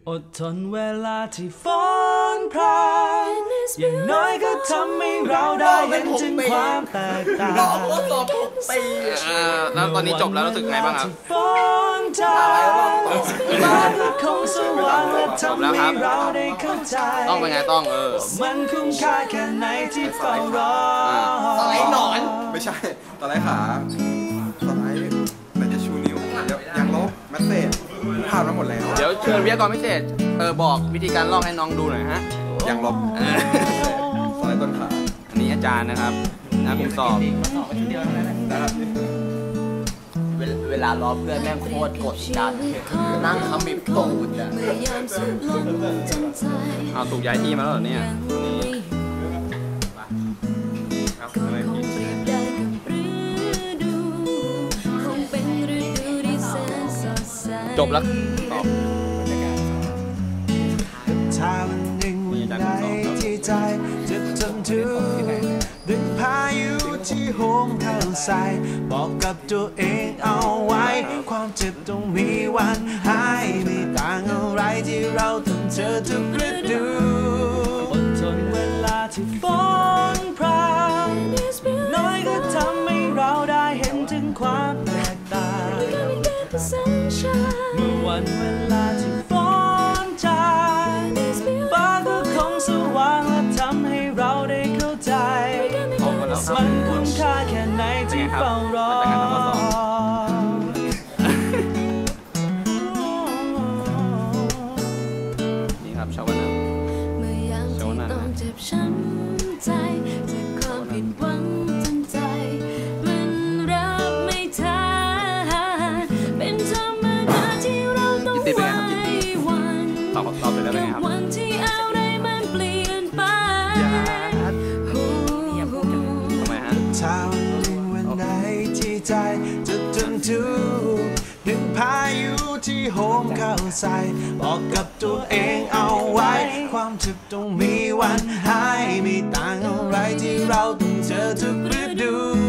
อดทนเวลาที่ฝนพรางอย่างน้อยก็ทำให้เราได้เห็นถึงความแตกต่างแล้วตอนนี้จบแล้วรู้สึกไงบ้างครับฝนจางฟ้าก็คงสว่างและทำให้เราได้เข้าใจต้องเป็นไงต้องมันคุ้มค่าแค่ไหนที่เฝ้ารอสไลด์หนอนไม่ใช่สไลด์ขาสไลด์แต่จะชูนิ้วยังลบแมสเซจผ่านมาหมดแล้วเดี๋ยวเชิญวิทยากรพิเศษบอกวิธีการลอกให้น้องดูหน่อยฮะยังลบสไลด์ต้นขาอันนี้อาจารย์นะครับนะผมสอบนะครับเวลาล้อเพื่อนแม่งโคตรกดดันนั่งขมิบตูดอ่ะเอาถูกย้ายที่มาแล้วเหรอเนี่ยจบแล้วตอบถ้าวันหนึ่งวันใดที่ใจจะทนทุกข์ดึงพายุที่โหมเข้าใส่บอกกับตัวเองเอาไว้ความเจ็บต้องมีวันหายไม่ต่างอะไรที่เราต้องเจอทุกฤดูอดทนเวลาที่ฝนพรางน้อยก็ทำให้เราได้เห็นถึงความแตกต่างเมื่อวันเวลาที่ฝนจางฟ้าก็คงสว่างและทำให้เราได้เข้าใจมันคุ้มค่าแค่ไหนที่เฝ้ารอนี่ครับชาวนาชาวนาเจ็บช้ำใจจากความผิดหวังจนใจมันรับไม่ทันเป็นธรรมดาที่เราต้องไว้วันกับวันที่อะไรมันเปลี่ยนไปทำไมฮะถ้าวันไหนที่ใจจะทนทุกข์ดึงพายุที่โหมเข้าใส่บอกกับตัวเองเอาไว้ความเจ็บต้องมีวันหายไม่ต่างอะไรที่เราต้องเจอทุกฤดู